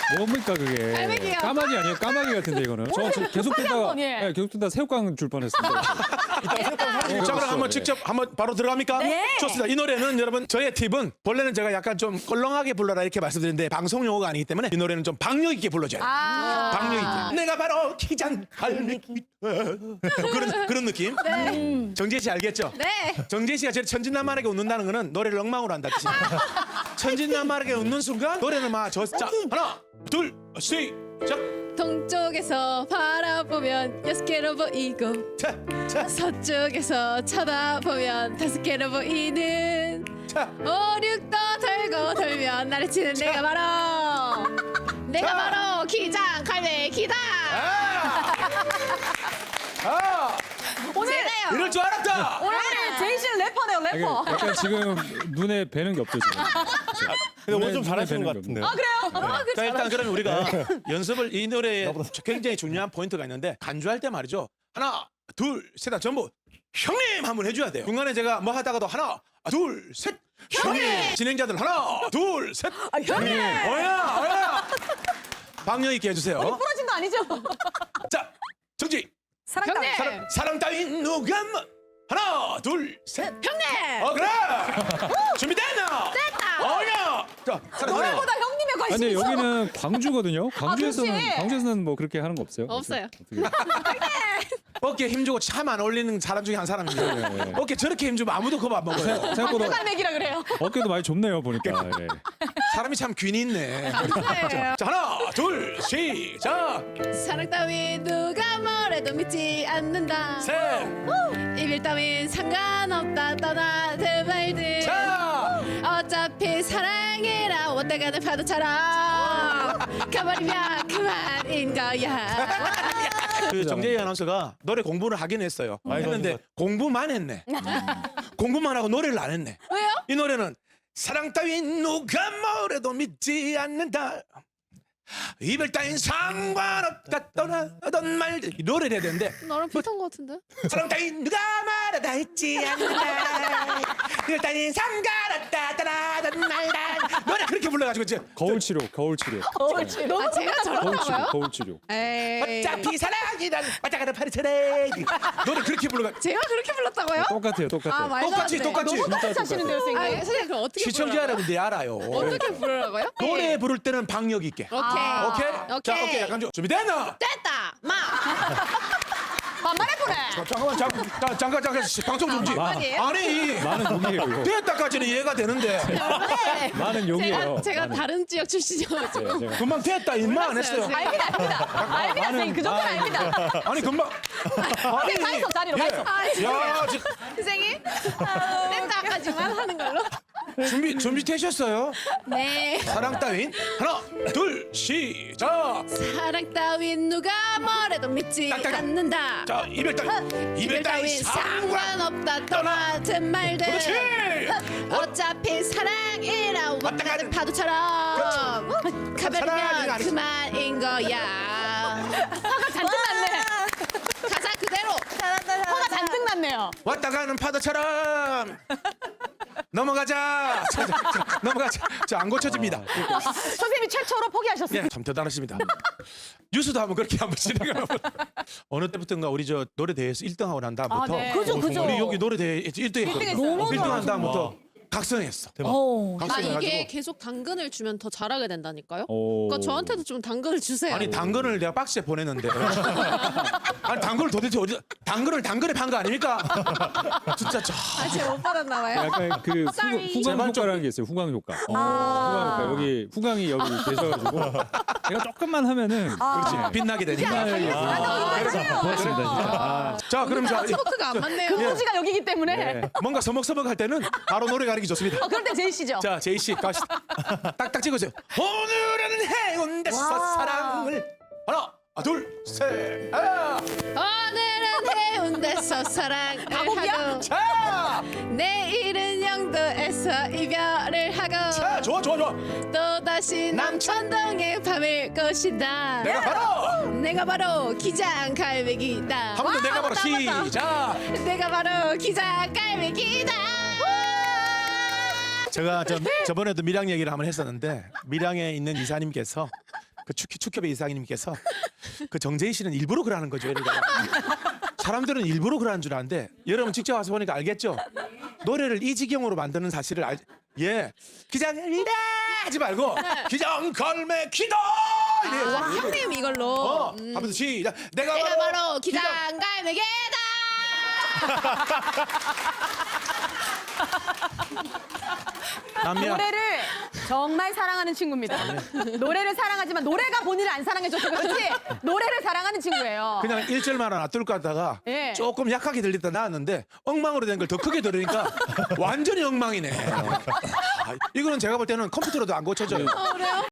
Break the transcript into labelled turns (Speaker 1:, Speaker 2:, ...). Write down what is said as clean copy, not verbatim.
Speaker 1: 뭡니까 그게?
Speaker 2: 갈매기요.
Speaker 1: 까마귀 아니에요? 까마귀 같은데 이거는. 저 계속 듣다가
Speaker 2: 예.
Speaker 1: 계속 듣다 새우깡 줄 뻔했습니다.
Speaker 3: 자, 그럼 한번 직접 한번 바로 들어갑니까?
Speaker 2: 네.
Speaker 3: 좋습니다. 이 노래는 여러분 저의 팁은 원래는 제가 약간 좀 껄렁하게 불러라 이렇게 말씀드렸는데 방송 용어가 아니기 때문에 이 노래는 좀 박력 있게 불러줘야 돼요. 박력 있게. 내가 바로 기장 갈매기. 그런 느낌. 정재 씨 알겠죠?
Speaker 2: 네.
Speaker 3: 정재 씨가 저렇게 천진난만하게 웃는다는 거는 노래를 엉망으로 한다 뜻이에요. 천진난만하게 웃는 순간 노래는 막 자, 하나, 둘, 시작.
Speaker 2: 동쪽에서 바라보면 6개로 보이고
Speaker 3: 자, 자,
Speaker 2: 서쪽에서 쳐다보면 5개로 보이는
Speaker 3: 자.
Speaker 2: 오륙도 돌고 돌면 나를 치는 내가 바로 내가 바로 기장 갈매기다. 오늘
Speaker 3: 이럴 줄 알았다.
Speaker 2: 오늘 제이 씨는 래퍼네요
Speaker 1: 이게
Speaker 2: 래퍼.
Speaker 1: 약간 지금 눈에 뵈는 게 없죠 지금.
Speaker 4: 근데 오늘 좀
Speaker 1: 눈에
Speaker 4: 잘하시는
Speaker 1: 뵈는
Speaker 4: 것
Speaker 1: 게
Speaker 4: 같은데요.
Speaker 2: 그래요?
Speaker 3: 자, 일단 그러면 우리가 연습을 이 노래에 굉장히 중요한 포인트가 있는데 간주할 때 말이죠. 하나, 둘, 셋, 전부 형님 한번 해줘야 돼요. 중간에 제가 뭐 하다가도 하나, 둘, 셋, 형님. 진행자들 하나, 둘, 셋,
Speaker 2: 형님.
Speaker 3: 어야. 박력 있게 해주세요.
Speaker 2: 부러진 거 아니죠?
Speaker 3: 자, 정지.
Speaker 2: 형님.
Speaker 3: 사랑 따윈 누가 뭐 하나, 둘, 셋.
Speaker 2: 형님.
Speaker 3: 그래. 준비됐나?
Speaker 2: 됐다.
Speaker 3: 어야. 자, 사랑 따윈.
Speaker 2: 노래보다 형님의
Speaker 1: 아,
Speaker 2: 관심이
Speaker 1: 근데
Speaker 2: 있어.
Speaker 1: 여기는 광주거든요.
Speaker 2: 그렇지.
Speaker 1: 광주에서는 뭐 그렇게 하는 거 없어요?
Speaker 2: 없어요.
Speaker 1: 어떻게?
Speaker 3: 어깨 힘주고 참 안 어울리는 사람 중에 한 사람입니다.
Speaker 1: 네.
Speaker 3: 어깨 저렇게 힘주면 아무도 그거 안 먹어요.
Speaker 1: 생각보다
Speaker 2: 갈매기라 그래요.
Speaker 1: 어깨도 많이 좁네요 보니까. 예.
Speaker 3: 사람이 참 균이 있네. 자, 하나, 둘, 시작.
Speaker 2: 사랑 따윈 누가 뭐래도 믿지 않는다.
Speaker 3: 셋.
Speaker 2: 이별 따윈 상관없다 떠나든 말든.
Speaker 3: 자.
Speaker 2: 어차피 사랑이라 왔다 가는 파도처럼 가버리면 그만인 거야.
Speaker 3: 그 정재희 아나운서가 노래 공부를 하긴 했어요.
Speaker 4: 많이
Speaker 3: 했는데
Speaker 4: 도와준
Speaker 3: 공부만 했네. 공부만 하고 노래를 안 했네.
Speaker 2: 왜요?
Speaker 3: 이 노래는 사랑 따윈 누가 뭐래도 믿지 않는다. 이별 따윈 상관없다 떠나던 말들 이 노래를 해야 되는데
Speaker 2: 너랑 비슷한 거 같은데?
Speaker 3: 사랑 따윈 누가 말하다 했지 않는다. 이별 따윈 상관없다 떠나던 말들 노래 그렇게 불러가지고 이제
Speaker 1: 거울 치료, 거울 치료,
Speaker 2: 아 제가
Speaker 1: 거울 치료,
Speaker 2: 저렇다고요?
Speaker 1: 거울 치료.
Speaker 2: 에이
Speaker 3: 어차피 사랑이란 왔다 가는 파리처럼 노래 그렇게 불러가.
Speaker 2: 제가 그렇게 불렀다고요?
Speaker 1: 똑같아요, 똑같아요.
Speaker 2: 말도 안
Speaker 3: 똑같이
Speaker 2: 돼.
Speaker 3: 똑같이.
Speaker 2: 너무 똑같이 하시는데요 선생님? 아 선생님 그럼 어떻게
Speaker 3: 시청자
Speaker 2: 부르라고요?
Speaker 3: 여러분들이 알아요.
Speaker 2: 어떻게 부르라고요?
Speaker 3: 노래 부를 때는 박력 있게.
Speaker 2: 오케이
Speaker 3: 오케이?
Speaker 2: 오케이.
Speaker 3: 자, 오케이. 약간 좀 준비됐나?
Speaker 2: 됐다 마 만만해 보래.
Speaker 3: 잠깐 방송 중지.
Speaker 2: 아니에요?
Speaker 3: 아니
Speaker 1: 많은 욕이에요, 이거.
Speaker 3: 됐다까지는 이해가 되는데
Speaker 1: 많은 욕이에요.
Speaker 2: 제가
Speaker 1: 많은.
Speaker 2: 다른 지역 출신이어가지고
Speaker 1: 네, 제가.
Speaker 3: 금방 됐다 임마 안 했어요.
Speaker 2: 몰랐어요,
Speaker 5: 알입니다, 선생님. 그 정도는 알입니다.
Speaker 3: 아니 금방. 아니.
Speaker 5: 가 있어, 자리로 가 있어.
Speaker 3: 야,
Speaker 2: 선생님 됐다까지만 하는 걸로.
Speaker 3: 준비되셨어요?
Speaker 2: 네.
Speaker 3: 사랑 따윈 하나, 둘, 시작.
Speaker 2: 사랑 따윈 누가 뭐래도 믿지
Speaker 3: 딱딱딱.
Speaker 2: 않는다.
Speaker 3: 자, 이별 따윈
Speaker 2: 상관없다 떠나든 말든.
Speaker 3: 그렇지.
Speaker 2: 어차피 사랑이라 왔다
Speaker 3: 가는
Speaker 2: 가는 파도처럼
Speaker 3: 사랑이
Speaker 2: 가버리면
Speaker 3: 아니지.
Speaker 2: 그만인 거야.
Speaker 5: 화가 잔뜩 났네.
Speaker 2: 가사 그대로.
Speaker 5: 화가 잔뜩 났네요.
Speaker 3: 왔다 가는 파도처럼 넘어가자. 넘어가자. 자, 안 고쳐집니다.
Speaker 5: 선생님이 최초로 포기하셨어요.
Speaker 3: 예, 참 대단하십니다. 뉴스도 한번 그렇게 한번 진행을 한번. 어느 때부터인가 우리 저 노래 대회에서 1등하고 난 다음부터
Speaker 5: 아, 네. 그죠, 그죠.
Speaker 3: 우리 여기 노래 대회 1등 했거든요.
Speaker 5: 너무
Speaker 3: 1등 한 다음부터
Speaker 4: 와.
Speaker 3: 각성했어.
Speaker 5: 오.
Speaker 2: 아
Speaker 3: 각성해가지고.
Speaker 2: 이게 계속 당근을 주면 더 잘하게 된다니까요.
Speaker 1: 오.
Speaker 2: 그러니까 저한테도 좀 당근을 주세요.
Speaker 3: 아니 당근을 내가 박스에 보냈는데 아니 당근을 도대체 어디 당근에 판 거 아닙니까? 진짜 저
Speaker 2: 제가 못 받았나 봐요.
Speaker 1: 약간 그
Speaker 2: Sorry.
Speaker 1: 후광
Speaker 3: 제발 좀-
Speaker 1: 효과라는 게 있어요. 후광 효과. 후광 효과. 여기 후광이 여기 계셔가지고 제가 조금만 하면은
Speaker 3: 그렇지 빛나게 되니까.
Speaker 1: 빛나게 고맙습니다 진짜.
Speaker 3: 자 그럼 자
Speaker 2: 토크가 안 맞네요.
Speaker 5: 근무지가 여기기 때문에.
Speaker 1: 네.
Speaker 3: 뭔가 서먹서먹 할 때는 바로 노래 가리기 좋습니다.
Speaker 5: 그럴 때 제이 씨죠.
Speaker 3: 자 제이 씨 갑시다. 딱딱 찍으세요. 오늘은 해운대서 사랑을 하나 둘 셋.
Speaker 2: 오늘은 해운대서 사랑을 하고
Speaker 3: 자,
Speaker 2: 내일은 영도에서 이별을 하고
Speaker 3: 자 좋아.
Speaker 2: 또 다시 남천동에 밤을 것이다.
Speaker 3: 내가 바로
Speaker 2: 기장 갈매기다.
Speaker 3: 한 번 더 내가 바로 시작.
Speaker 2: 내가 바로 기장 갈매기다.
Speaker 3: 제가 저번에도 밀양 얘기를 한번 했었는데 밀양에 있는 이사님께서 그 축협의 이사장님께서 그 정재희 씨는 일부러 그러는 거죠. 이러니까. 사람들은 일부러 그러는 줄 아는데 여러분 직접 와서 보니까 알겠죠? 노래를 이 지경으로 만드는 사실을 예. 기장갈매기다 하지 말고 기장갈매기다 이래요.
Speaker 2: 와, 형님 이걸로.
Speaker 3: 하면서 시작. 내가
Speaker 2: 내가 바로 기장갈매기다.
Speaker 3: 남이야.
Speaker 5: 노래를 정말 사랑하는 친구입니다. 노래를 사랑하지만 노래가 본인을 안 사랑해줘서 그렇지 노래를 사랑하는 친구예요.
Speaker 3: 그냥 1절만 놔둘 거 하다가
Speaker 5: 예.
Speaker 3: 조금 약하게 들리다 나왔는데 엉망으로 된 걸 더 크게 들으니까 완전히 엉망이네. 이거는 제가 볼 때는 컴퓨터로도 안 고쳐져요.
Speaker 2: 그래요?